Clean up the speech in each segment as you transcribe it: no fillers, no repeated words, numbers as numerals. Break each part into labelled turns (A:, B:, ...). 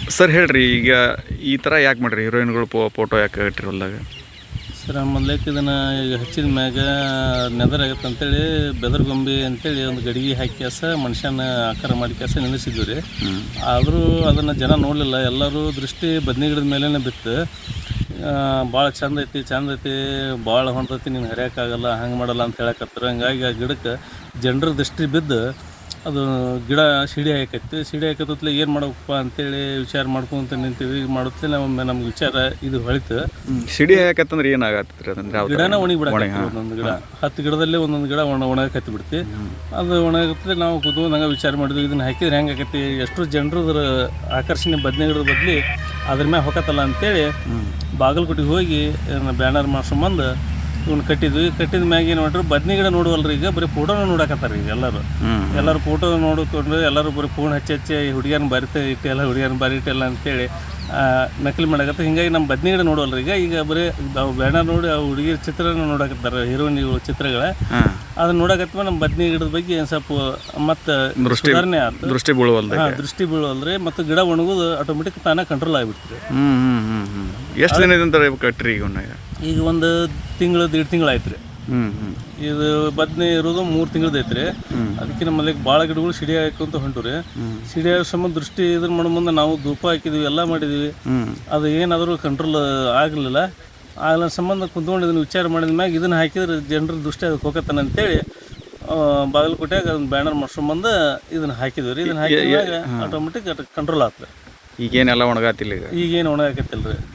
A: Sir ಹೇಳ್ರಿ, ಈಗ ಈ ಥರ ಯಾಕೆ ಮಾಡ್ರಿ ಹೀರೋಯಿನ್ಗಳು ಫೋಟೋ ಯಾಕೆ ಇಟ್ಟಿರಿ ಹೊಲ್ದಾಗ?
B: ಸರ್ ಮೊದ್ಲೇಕ್ ಇದನ್ನು ಈಗ ಹಚ್ಚಿದ ಮ್ಯಾಗ ನೆದರಾಗತ್ತೆ ಅಂತೇಳಿ ಬೆದರ್ಗೊಂಬೆ ಅಂತೇಳಿ ಒಂದು ಗಡಿಗೆ ಹಾಕಿ ಮನುಷ್ಯನ ಆಕಾರ ಮಾಡಿ ನಿಲ್ಲಿಸಿದ್ವಿ ರೀ. ಆದರೂ ಅದನ್ನು ಜನ ನೋಡಲಿಲ್ಲ. ಎಲ್ಲರೂ ದೃಷ್ಟಿ ಬದ್ನಿ ಗಿಡದ ಮೇಲೇ ಬಿತ್ತು. ಭಾಳ ಚಂದ ಐತಿ, ಭಾಳ ಹೊಂಟೈತಿ, ನೀನು ಹರಿಯೋಕ್ಕಾಗಲ್ಲ, ಹಂಗೆ ಮಾಡಲ್ಲ ಅಂತ ಹೇಳಕತ್ತಾರೆ. ಹಂಗಾಗಿ ಆ ಗಿಡಕ್ಕೆ ಜನರ ದೃಷ್ಟಿ ಬಿದ್ದು ಅದು ಗಿಡ ಸಿಡಿ ಹಾಕತ್ತಲೆ ಏನು ಮಾಡಬೇಕಪ್ಪ ಅಂತೇಳಿ ವಿಚಾರ ಮಾಡ್ಕೊಂತ ನಿಂತೀವಿ. ಮಾಡುತ್ತೆ ನಮ್ಗೆ ವಿಚಾರ ಇದು ಹೊಳಿತು.
A: ಸಿಡಿ ಹಾಕತ್ತಂದ್ರೆ ಏನಾಗತ್ತೆ? ಅದನ್ನ
B: ಗಿಡನ ಒಣಗಿ ಬಿಡಕ್ಕೆ ಒಂದೊಂದು ಗಿಡ 10 ಗಿಡದಲ್ಲೇ ಒಂದೊಂದು ಗಿಡ ಒಣಗಕ್ಕೆ ಬಿಡ್ತಿ. ಅದು ಒಣಗತ್ತೆ. ನಾವು ಕೂತ್ಕೊಂಡು ಹಂಗೆ ವಿಚಾರ ಮಾಡಿದ್ವಿ, ಇದನ್ನು ಹಾಕಿದ್ರೆ ಹೆಂಗೆ ಆಕೈತಿ, ಎಷ್ಟು ಜನರು ಅದ್ರ ಆಕರ್ಷಣೆ ಬದನೆ ಗಿಡದ ಬದಲಿ ಅದ್ರ ಮ್ಯಾಗ ಹೊಕ್ಕತ್ತಲ್ಲ ಅಂತೇಳಿ ಬಾಗಲಕೋಟೆಗೆ ಹೋಗಿ ಬ್ಯಾನರ್ ಮಾಡ್ಸ್ಕೊಂಬಂದು ಇವ್ನು ಕಟ್ಟಿದ ಮ್ಯಾಗ ಏನು ಮಾಡ್ರಿ, ಬದ್ನಿ ಗಿಡ ನೋಡುವಲ್ರಿ, ಈಗ ಬರೀ ಫೋಟೋನ ನೋಡಕತ್ತಾರ. ಈಗ ಎಲ್ಲರೂ ಫೋಟೋ ನೋಡಿಕೊಂಡು ಎಲ್ಲರೂ ಬರೀ ಫೋನ್ ಹಚ್ಚಿ ಹುಡುಗಿಯರನ್ನ ಹುಡುಗಿಯರನ್ನ ಬರೀಟಲ್ಲ ಅಂತೇಳಿ ನಕಲಿ ಮಾಡಕತ್ತ. ಹಿಂಗಾಗಿ ನಮ್ಮ ಬದ್ನಿ ಗಿಡ ನೋಡುವಲ್ರಿ. ಈಗ ಬರೀ ಬ್ಯಾನರ್ ನೋಡಿ ಆ ಹುಡುಗಿಯರ ಚಿತ್ರನ ನೋಡಕತ್ತಾರ, ಹೀರೋಯಿನ್ಗಳ ಚಿತ್ರಗಳ. ಅದನ್ನ ನೋಡಕತ್ತ ನಮ್ಮ ಬದ್ನಿ ಗಿಡದ ಬಗ್ಗೆ ಸ್ವಲ್ಪ ಮತ್ತು ಸುಧಾರಣೆ ಆಯ್ತು. ದೃಷ್ಟಿ ಬೀಳುವಲ್ರಿ. ಮತ್ತು ಗಿಡ ಒಣಗೋದು ಆಟೋಮೆಟಿಕ್ ತಾನೇ ಕಂಟ್ರೋಲ್ ಆಗಿಬಿಡ್ತೀರಿ.
A: ಎಷ್ಟು ದಿನದಿಂದ ಕಟ್ರಿ?
B: ಈಗ ಒಂದು ತಿಂಗಳು 1.5 ತಿಂಗಳು ಆಯ್ತು ರೀ. ಇದು ಬದ್ನೆ ಇರೋದು 3 ತಿಂಗಳದ್ದು ಐತ್ರಿ. ಅದಕ್ಕೆ ನಮ್ಮಲ್ಲಿ ಭಾಳ ಗಿಡಗಳು ಸಿಡಿ ಹಾಕೊಂತ ಹೊಂಟು ರೀ. ಸಿಡಿ ಹಾಕೋ ಸಂಬಂಧ ದೃಷ್ಟಿ ಇದನ್ನ ಮಾಡೋ ಮುಂದೆ ನಾವು ಧೂಪ ಹಾಕಿದ್ವಿ, ಎಲ್ಲ ಮಾಡಿದ್ವಿ. ಅದು ಏನಾದರೂ ಕಂಟ್ರೋಲ್ ಆಗಲಿಲ್ಲ. ಸಂಬಂಧ ಕುಂತ್ಕೊಂಡು ಇದನ್ನು ವಿಚಾರ ಮಾಡಿದ ಮ್ಯಾಗ ಇದನ್ನು ಹಾಕಿದ್ರೆ ಜನರ ದೃಷ್ಟಿ ಅದಕ್ಕೆ ಹೋಗತ್ತಾನ ಅಂತೇಳಿ ಬಾಗಲಕೋಟೆಯಾಗ ಅದನ್ನ ಬ್ಯಾನರ್ ಮಾಡ್ಸ್ಕೊಂಬಂದು ಇದನ್ನು ಹಾಕಿದ್ವಿ ರೀ. ಇದನ್ನು ಹಾಕಿದಾಗ ಆಟೋಮೆಟಿಕ್ ಕಂಟ್ರೋಲ್ ಆಗ್ತದೆ.
A: ಈಗೇನೆಲ್ಲ ಒಣಗಾತಿಲ್ಲ?
B: ಈಗೇನು ಒಣಗಾಕತ್ತಿಲ್ಲ ರೀ.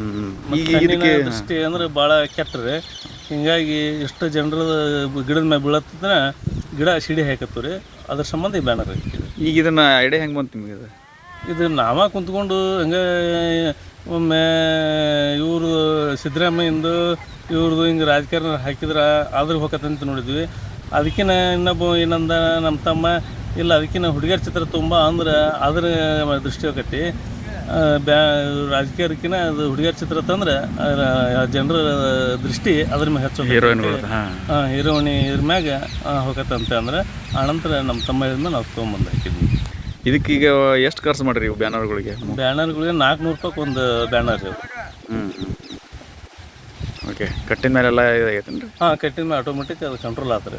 B: ದೃಷ್ಟಿ ಅಂದ್ರೆ ಭಾಳ ಕೆಟ್ಟರೆ. ಹಿಂಗಾಗಿ ಎಷ್ಟು ಜನರ ಗಿಡದ ಮ್ಯಾಗ ಬೀಳತ್ತಂದ್ರೆ ಗಿಡ ಸಿಡಿ ಹಾಕತ್ತು ರೀ. ಅದ್ರ ಸಂಬಂಧ ಈ ಬ್ಯಾನರ್ ಹಾಕಿದ್ವಿ.
A: ಈಗ ಇದನ್ನು ಐಡಿಯಾ ಹೆಂಗೆ ಬಂತು ನಿಮಗೆ?
B: ಇದು ನಾವ ಕುಂತ್ಕೊಂಡು ಹಂಗೆ ಒಮ್ಮೆ ಇವರು ಸಿದ್ದರಾಮಯ್ಯಂದು ಇವ್ರದ್ದು ಹಿಂಗೆ ರಾಜಕಾರಣ ಹಾಕಿದ್ರೆ ಆದ್ರೆ ಹೋಗತ್ತಂತ ನೋಡಿದ್ವಿ. ಅದಕ್ಕಿಂತ ಇನ್ನೊಬ್ಬ ಏನಂದ ನಮ್ಮ ತಮ್ಮ, ಇಲ್ಲ ಅದಕ್ಕಿಂತ ಹುಡುಗಿಯರ ಚಿತ್ರ ತುಂಬ ಅಂದ್ರೆ ಅದ್ರ ದೃಷ್ಟಿ ಹೋಗತಿ. ರಾಜಕೀಯಕ್ಕಿಂತ ಅದು ಹುಡುಗಿಯರ ಚಿತ್ರ ತಂದ್ರೆ ಜನರ ದೃಷ್ಟಿ ಅದ್ರ ಮ್ಯಾಗ ಹೆಚ್ಚು ಹೀರೋಯಿನಿ ಇದ್ರ ಮ್ಯಾಗ ಹೋಗತ್ತಂತ ಅಂದ್ರೆ ಆನಂತರ ನಮ್ಮ ತಮ್ಮ ಹೇಳಿದ್ಮೇಲೆ ನಾವು ತೊಗೊಂಬಂದು ಹಾಕಿದ್ವಿ.
A: ಇದಕ್ಕೀಗ ಎಷ್ಟು ಖರ್ಚು ಮಾಡಿರಿ ಇವು ಬ್ಯಾನರ್ಗಳಿಗೆ?
B: 400 ರೂಪಾಯಿಗೆ ಒಂದು ಬ್ಯಾನರ್ ರೀ.
A: ಓಕೆ. ಕಟ್ಟಿದ ಮೇಲೆಲ್ಲ ಇದಾಗೈತೇನ್ರಿ?
B: ಕಟ್ಟಿದ ಮೇಲೆ ಆಟೋಮೆಟಿಕ್ ಅದು ಕಂಟ್ರೋಲ್ ಆಗ್ತದೆ.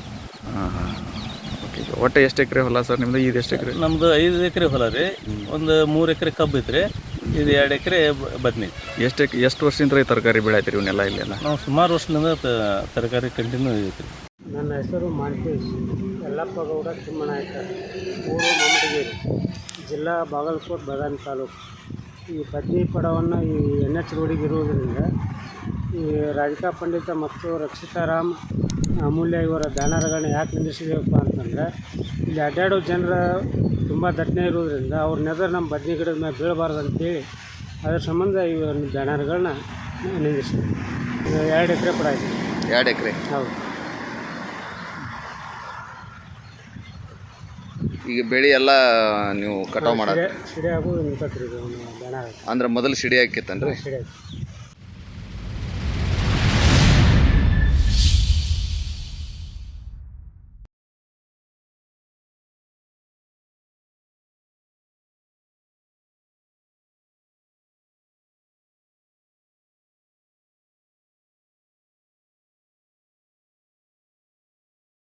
A: ಓಕೆ. ಒಟ್ಟು ಎಷ್ಟು ಎಕರೆ ಹೊಲ ಸರ್ ನಿಮ್ಮದು? ಇದು ಎಷ್ಟು ಎಕರೆ?
B: ನಮ್ಮದು 5 ಎಕರೆ ಹೊಲ ರೀ. ಒಂದು 3 ಎಕರೆ ಕಬ್ಬು ಐತ್ರಿ. ಇದು 2 ಎಕರೆ ಬದ್ನಿ.
A: ಎಷ್ಟು ವರ್ಷದಿಂದ ತರಕಾರಿ ಬೆಳೆಯತ್ರಿ ಇವನ್ನೆಲ್ಲ ಇಲ್ಲೆಲ್ಲ?
B: ನಾವು ಸುಮಾರು ವರ್ಷದಿಂದ ತರಕಾರಿ ಕಂಟಿನ್ಯೂ ಐತ್ರಿ.
C: ನನ್ನ ಹೆಸರು ಮಾಂತೇಶ್ ಯಲ್ಲಪ್ಪ ಗೌಡ ತಿಮ್ಮನಾಯಕ, ಊರು ಮಮ್ಮಡಿಗೇರಿ, ಜಿಲ್ಲಾ ಬಾಗಲಕೋಟೆ, ಬದಾಮಿ ತಾಲೂಕು. ಈ ಬದ್ನಿ ಪಡವನ್ನು ಈ NH ರೋಡಿಗೆ ಇರುವುದರಿಂದ ಈ ರಾಧಿಕಾ ಪಂಡಿತ ಮತ್ತು ರಕ್ಷಿತಾರಾಮ್ ಅಮೂಲ್ಯ ಇವರ ಬ್ಯಾನರ್ಗಳನ್ನ ಯಾಕೆ ನಿಲ್ಲಿಸಿದೇವಪ್ಪ ಅಂತಂದರೆ, ಇಲ್ಲಿ ಅಡ್ಡಾಡೋ ಜನರ ತುಂಬ ದಟ್ಟಣೆ ಇರೋದ್ರಿಂದ ಅವ್ರ ನೆದರ್ ನಮ್ಮ ಬದ್ನಿ ಗಿಡದ ಮೇಲೆ ಬೀಳಬಾರ್ದು ಅಂತೇಳಿ ಅದರ ಸಂಬಂಧ ಈ ಬ್ಯಾನರ್ಗಳನ್ನ ನಿಲ್ಲಿಸಿದೆ. 2 ಎಕರೆ ಪಡ ಆಯಿತು.
A: 2 ಎಕರೆ?
C: ಹೌದು.
A: ಈಗ ಬೆಳೆ ಎಲ್ಲ ನೀವು ಕಟಾವು ಮಾಡೋದು?
C: ಸಿಡಿ ಆಗೋದು ನಿಂತತ್ರಿ ಬ್ಯಾನರ್.
A: ಅಂದ್ರೆ ಮೊದಲು ಸಿಡಿ ಹಾಕಿತ್ತನ್ರಿ?
C: ಸಿಡಿ ಆಯ್ತು.